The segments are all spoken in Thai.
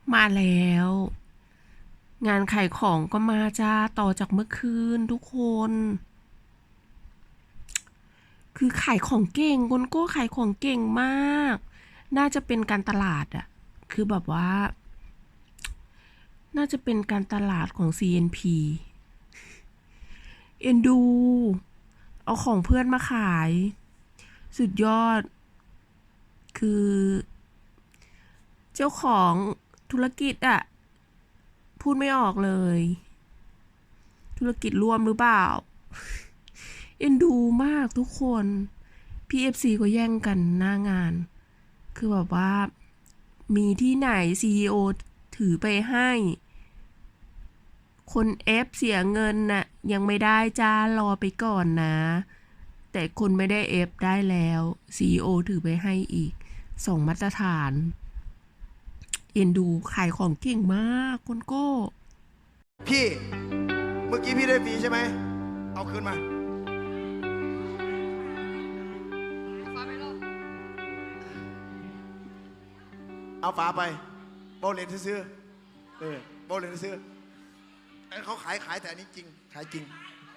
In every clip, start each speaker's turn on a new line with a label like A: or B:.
A: มาแล้ว งานขายของก็มาจ้าต่อจากเมื่อคืนทุกคน คือขายของเก่งคนโก้ขายของเก่งมาก น่าจะเป็นการตลาดอะคือแบบว่า น่าจะเป็นการตลาดของ CNP เอ็นดู เอาของเพื่อนมาขาย สุดยอด คือ เจ้าของธุรกิจอะพูดไม่ออกเลย ธุรกิจร่วมหรือเปล่า เอ็นดูมากทุกคน PFC ก็แย่งกันหน้างาน คือแบบว่า มีที่ไหน CEO ถือไปให้ คน F เสียเงินน่ะยังไม่ได้จ้ารอไปก่อนนะ แต่คนไม่ได้ F ได้แล้ว CEO ถือไปให้อีกส่งมาตรฐานเอ็นดูขายของเก่งมากคนโก้
B: พี่เมื่อกี้พี่ได้ฟรีใช่ไหมเอาคืนมาเอาฝาไปโบเลนซื้อโบเลนซื้อเขาขายแต่อันนี้จริงขายจริง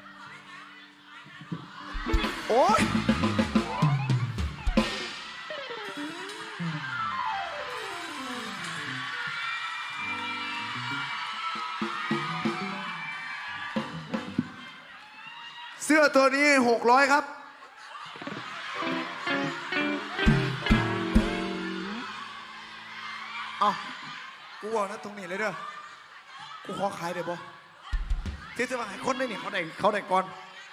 B: โอ๊ยเสื้อตัวนี้600ครับเอากูบอกนะตรงนี้เลยเด้อกูขอขายได้บ่ที่จะมาขายคนได้เนี่ยเขาได้ก่อน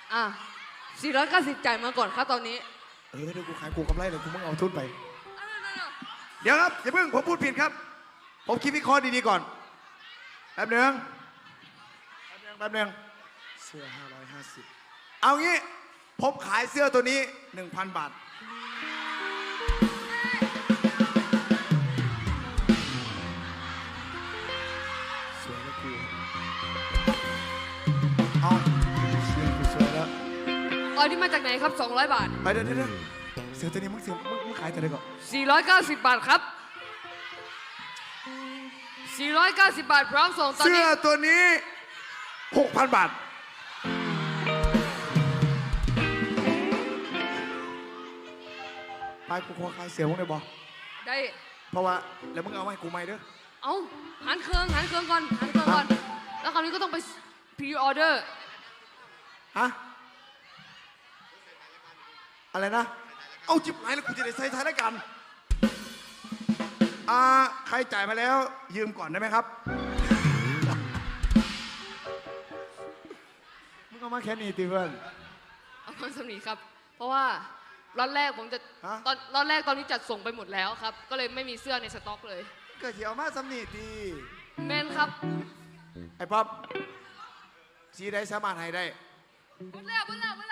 C: 490จ่ายมาก่อนครับตอนนี้
B: เดี๋ยวกูขายกูกำไรเลยกูมึงเอาทุนไปเดี๋ยวครับอย่าเพิ่งผมพูดผิดครับผมคิดวิเคราะห์ดีๆก่อนแป๊บหนึ่งเสื้อ550เอางี้ผมขายเสื้อตัวนี้ 1,000 บาทสวยแล้วกูเอาเสื้อกูสวยแล้ว
C: อันนี้มาจากไหนครับ200 บาท
B: ไปเดี๋ยวเสื้อตัวนี้มึงขายแต่ไหนก่อน
C: 490 บาทครับ490 บาทพร้อมส่งตอนนี้
B: เสื้อตัวนี้ 6,000 บาทไปกูขอขายเสื้อมึงได้บ่
C: ได้
B: เพราะว่าแล้วมึงเอามาให้กูไหมเด้อ
C: เอาหันเครื่องก่อนแล้วคราวนี้ก็ต้องไปพรีออเดอร์
B: ฮะอะไรนะเอาจิบไหนแล้วกูจะได้ใส่ท้ายแล้วกันใครจ่ายมาแล้วยืมก่อนได้ไหมครับมึงเอามาแค่นี้ติเพื่อน
C: เอามาสำนีครับเพราะว่าล็อตแรกผมจะล็อตแรกตอนนี้จัดส่งไปหมดแล้วครับก็เลยไม่มีเสื้อในสต็อกเลย
B: เกิดเหี่ยวมาสำนีดี
C: แมนครับ
B: ไอ้ป๊อปสีได้สามารถให้ได้
C: หมดแล้ว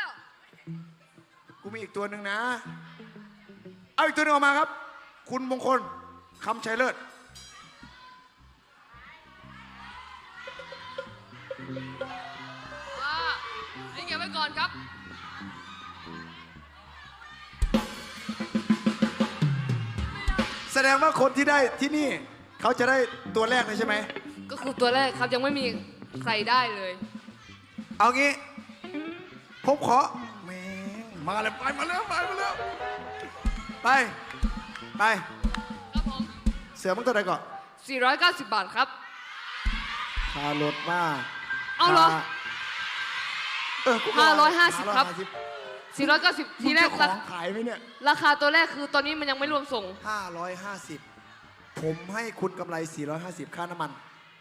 B: กูมีอีกตัวหนึ่งนะเอาอีกตัวหนึ่งออกมาครับคุณมงคลคำชัยเลิศ
C: นี่เก็บไว้ก่อนครับ
B: แสดงว่าคนที่ได้ที่นี่เขาจะได้ตัวแรกเลยใช่ไหม
C: ก็คือตัวแรกครับยังไม่มีใครได้เลย
B: เอางี้ผมขอแม่งมาเลยมาแล้วไป
C: ครับผม
B: เสือมึงตัวไหนก่อน
C: 490 บาทครับ
B: ค่ารถมา
C: เอาเหรอ550 ครับ490ทีแรก
B: ของขายไหมเนี่ย
C: ราคาตัวแรกคือตอนนี้มันยังไม่รวมส่ง
B: 550ผมให้คุณกำไร450ค่าน้ำมัน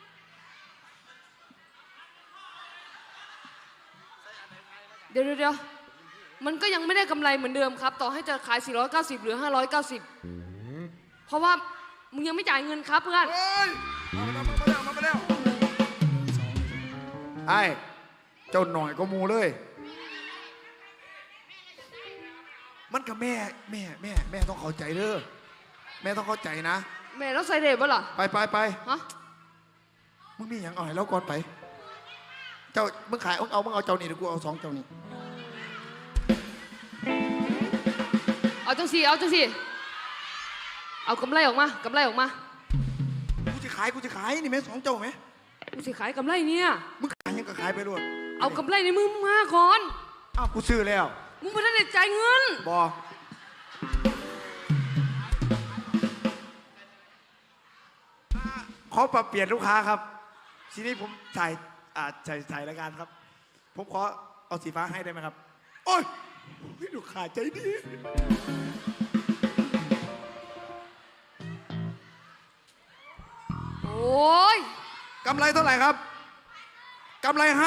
C: เดี๋ยวมันก็ยังไม่ได้กำไรเหมือนเดิมครับต่อให้จะขาย490หรือ590เพราะว่ามึงยังไม่จ่ายเงินครับเพื่อน
B: มาแล้วไอ้เจ้าหน่อยก็มูเลยมันกับแม่ต้องเข้าใจเด้อแม่ต้องเข้าใจนะ
C: แม่แล้วใส่เด็บป่ะล่ะ
B: ไป
C: ฮะ
B: มึงมีอย่างอ่อยแล้วก่อนไปเจ้ามึงขายมึงเอาเจ้านี่เดี๋ยวกูเอา2เจ้านี่
C: เอาจังสิเอากำไรออกมา
B: กูจะขายนี่แม่2 เจ้าไหม
C: กูสิขายกำไรเนี่ย
B: มึงขายยังก็ขายไปด้วย
C: เอากำไรในมือมึงมาก่อน
B: อ้าวกูซื้อแล้ว
C: มึงไม่ได้จ่ายเงิน
B: บอขอปรับเปลี่ยนลูกค้าครับทีนี้ผมถ่ายรายการครับ ผมขอเอาสีฟ้าให้ได้ไหมครับ โอ้ยลูกค้าใจดี
C: โอ้ย
B: กำไรเท่าไหร่ครับกำไร 5,000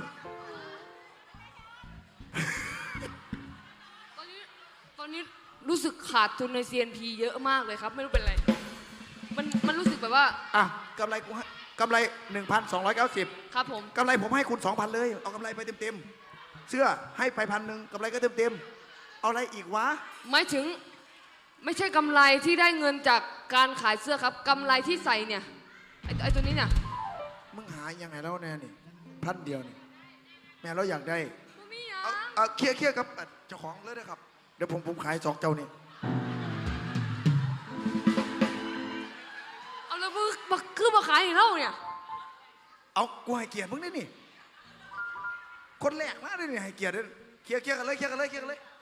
C: ตอนนี้รู้สึกขาดทุนใน CNP เยอะมากเลยครับ ไม่รู้เป็นไร มันรู้สึกแบบว่า
B: อ่ะกำไรกูให้กำไร 1,290
C: ครับผม
B: กำไรผมให้คุณ 2,000 เลย เอากำไรไปเต็มๆเสื้อให้ไป1,000กำไรก็เต็มๆเอาอะไรอีกวะ
C: หมายถึงไม่ใช่กำไรที่ได้เงินจากการขายเสื้อครับกำไรที่ใส่เนี่ยไอ้ตัวนี้เนี่ย
B: มึงหายังไงแล้วแน่นี่1,000 เดียวนี่แม่เราอยากได้
C: บ่มีหยัง
B: เอาเคลียร์กับเจ้าของเลยนะครับ เดี๋ยวผมขาย2 เจ้านี่
C: เอาแล้วมึงคือมาขายให้เราเนี่ย
B: เอากูให้เกียรติมึงได้นี่คนแรกนะได้นี่ให้เกียรติเลยเคลียร์กันเลย